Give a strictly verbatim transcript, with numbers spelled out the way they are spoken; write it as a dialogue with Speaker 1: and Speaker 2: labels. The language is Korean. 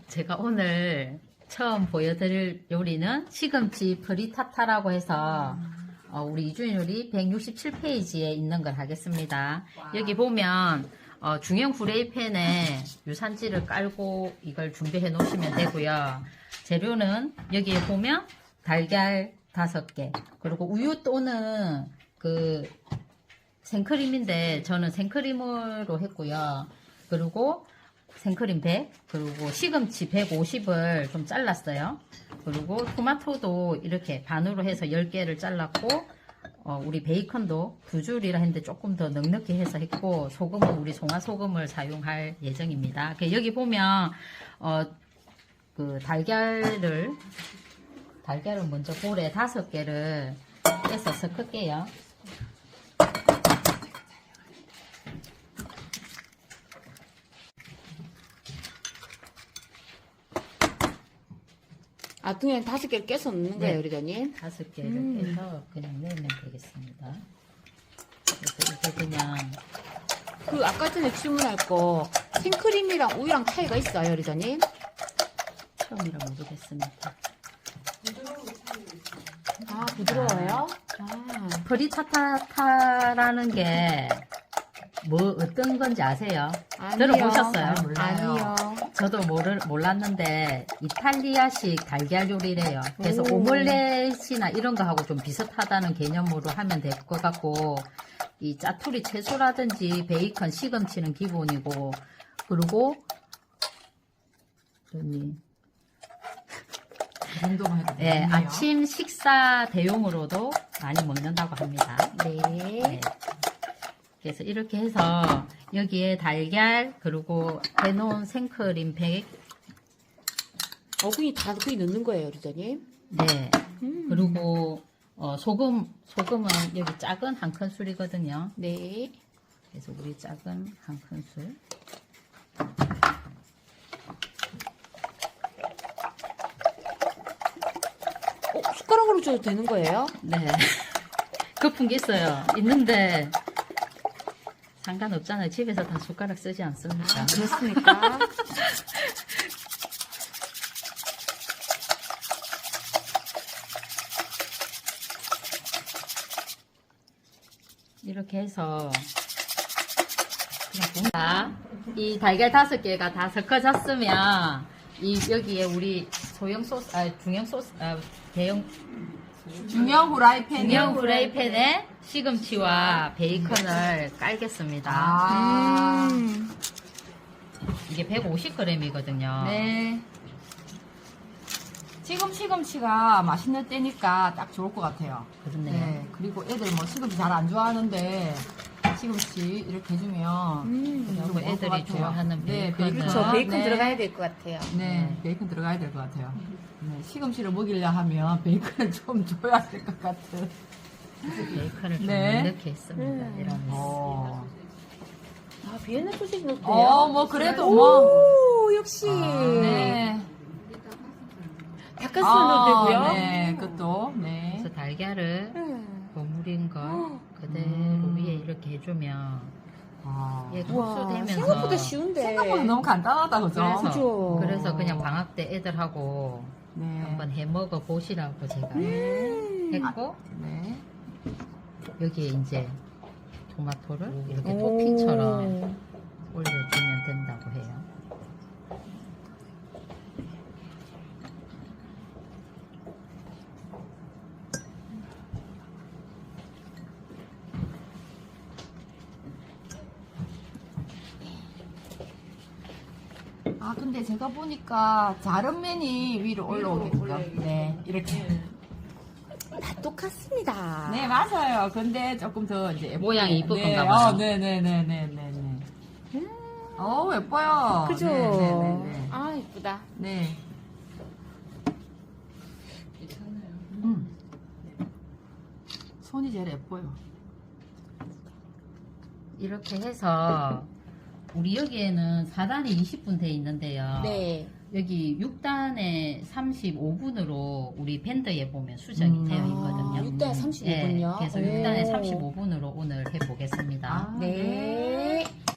Speaker 1: 제가 오늘 처음 보여드릴 요리는 시금치 프리타타라고 해서 어, 우리 이주인 요리 백육십칠 페이지에 있는 걸 하겠습니다. 여기 보면 어, 중형 프라이팬에 유산지를 깔고 이걸 준비해 놓으시면 되고요. 재료는 여기에 보면 달걀 다섯 개, 그리고 우유 또는 그 생크림인데 저는 생크림으로 했고요. 그리고 생크림 백, 그리고 시금치 백오십을 좀 잘랐어요. 그리고 토마토도 이렇게 반으로 해서 열 개를 잘랐고, 어, 우리 베이컨도 두 줄이라 했는데 조금 더 넉넉히 해서 했고, 소금은 우리 송화소금을 사용할 예정입니다. 여기 보면, 어, 그 달걀을, 달걀을 먼저 볼에 다섯 개를 깨서 섞을게요.
Speaker 2: 아, 그냥 다섯 개를 깨서 넣는 거예요,
Speaker 1: 네.
Speaker 2: 그러더니?
Speaker 1: 다섯 개를
Speaker 2: 음.
Speaker 1: 깨서 그냥 넣으면 되겠습니다. 그래서 이게 그냥
Speaker 2: 그, 아까 전에 질문할 거, 생크림이랑 우유랑 차이가 있어요, 그러더니?
Speaker 1: 처음이라 모르겠습니다.
Speaker 2: 아, 부드러워요? 아,
Speaker 1: 프리타타타라는 게 뭐 어떤 건지 아세요?
Speaker 2: 아니요.
Speaker 1: 들어보셨어요?
Speaker 2: 아니요.
Speaker 1: 저도 모르, 몰랐는데 이탈리아식 달걀 요리래요. 그래서
Speaker 2: 오.
Speaker 1: 오믈렛이나 이런 거하고 좀 비슷하다는 개념으로 하면 될 것 같고, 이 짜투리 채소라든지 베이컨, 시금치는 기본이고, 그리고 언니
Speaker 3: 그 정도만 해도
Speaker 1: 네,
Speaker 3: 되겠네요.
Speaker 1: 아침 식사 대용으로도 많이 먹는다고 합니다.
Speaker 2: 네.
Speaker 1: 네. 그래서 이렇게 해서 여기에 달걀, 그리고 해놓은 생크림 백,
Speaker 2: 어, 그냥 다 그냥 넣는 거예요, 그러더니?
Speaker 1: 네.
Speaker 2: 음.
Speaker 1: 그리고 어, 소금, 소금은 여기 작은 한 큰술이거든요.
Speaker 2: 네.
Speaker 1: 그래서 우리 작은 한 큰술.
Speaker 2: 어, 숟가락으로 줘도 되는 거예요?
Speaker 1: 네. 급한 게 있어요. 있는데 상관없잖아요. 집에서 다 숟가락 쓰지 않습니까?
Speaker 2: 그렇습니까?
Speaker 1: 이렇게 해서 그냥 자, 이 달걀 다섯 개가 다 섞어졌으면 이 여기에 우리 소형 소스, 아 중형 소스, 아 대형
Speaker 3: 중형 후라이팬.
Speaker 1: 중형 프라이팬에 시금치와 베이컨을 깔겠습니다.
Speaker 3: 아.
Speaker 2: 음.
Speaker 1: 이게 백오십 그램이거든요.
Speaker 3: 네. 지금 시금치가 맛있는 때니까 딱 좋을 것 같아요.
Speaker 1: 그렇네요.
Speaker 3: 네. 그리고 애들 뭐 시금치 잘 안 좋아하는데 시금치 이렇게 해주면
Speaker 2: 음.
Speaker 3: 그냥
Speaker 1: 그리고
Speaker 3: 먹을 것
Speaker 1: 애들이
Speaker 3: 같아요.
Speaker 1: 좋아하는
Speaker 3: 네,
Speaker 1: 베이컨을.
Speaker 2: 그렇죠. 베이컨
Speaker 3: 네.
Speaker 2: 들어가야 될 것 같아요.
Speaker 3: 네, 베이컨 들어가야 될 것 같아요. 네, 시금치를 먹이려 하면 베이컨을 좀 줘야 될 것 같은.
Speaker 1: 베이컨을 좀
Speaker 3: 네.
Speaker 1: 넉넉히 했습니다.
Speaker 2: 음.
Speaker 1: 이러면서.
Speaker 3: 어,
Speaker 2: 아, 비엔나 소시지 넣어도 돼요?
Speaker 3: 어, 뭐 그래도 뭐.
Speaker 2: 오, 역시.
Speaker 3: 네.
Speaker 2: 닭가슴 넣어도 되고요.
Speaker 3: 네, 그것도. 네.
Speaker 1: 그래서 달걀을
Speaker 2: 음.
Speaker 1: 버무린 걸 그대로
Speaker 3: 음.
Speaker 1: 위에 이렇게 해주면
Speaker 3: 아,
Speaker 1: 얘
Speaker 2: 와,
Speaker 1: 흡수되면서
Speaker 2: 생각보다 쉬운데.
Speaker 3: 생각보다 너무 간단하다, 그죠?
Speaker 1: 그래서
Speaker 2: 그죠.
Speaker 1: 그래서 그냥 방학 때 애들하고
Speaker 3: 네.
Speaker 1: 한번 해 먹어 보시라고 제가
Speaker 2: 음.
Speaker 1: 했고,
Speaker 3: 네.
Speaker 1: 여기에 이제 토마토를 이렇게
Speaker 2: 오.
Speaker 1: 토핑처럼 올려주면 된다고 해요.
Speaker 3: 아, 근데 제가 보니까 자른 면이 위로 올라오겠죠? 네, 이렇게.
Speaker 2: 다 똑같습니다.
Speaker 3: 네, 맞아요. 근데 조금 더 이제. 예쁘게.
Speaker 1: 모양이 이쁠
Speaker 3: 네,
Speaker 1: 건가 봐요.
Speaker 3: 어, 네네네네네네. 어, 예뻐요.
Speaker 2: 그죠?
Speaker 3: 네네네.
Speaker 2: 아, 이쁘다.
Speaker 3: 네. 음. 손이 제일 예뻐요.
Speaker 1: 이렇게 해서 우리 여기에는 사 단에 이십 분 돼 있는데요.
Speaker 2: 네.
Speaker 1: 여기 육 단에 삼십오 분으로 우리 밴드에 보면 수정이
Speaker 3: 음.
Speaker 1: 되어 있거든요.
Speaker 2: 아, 육 단에 삼십오 분요?
Speaker 1: 네, 그래서 육 단에 삼십오 분으로 오늘 해보겠습니다.
Speaker 3: 아,
Speaker 2: 네.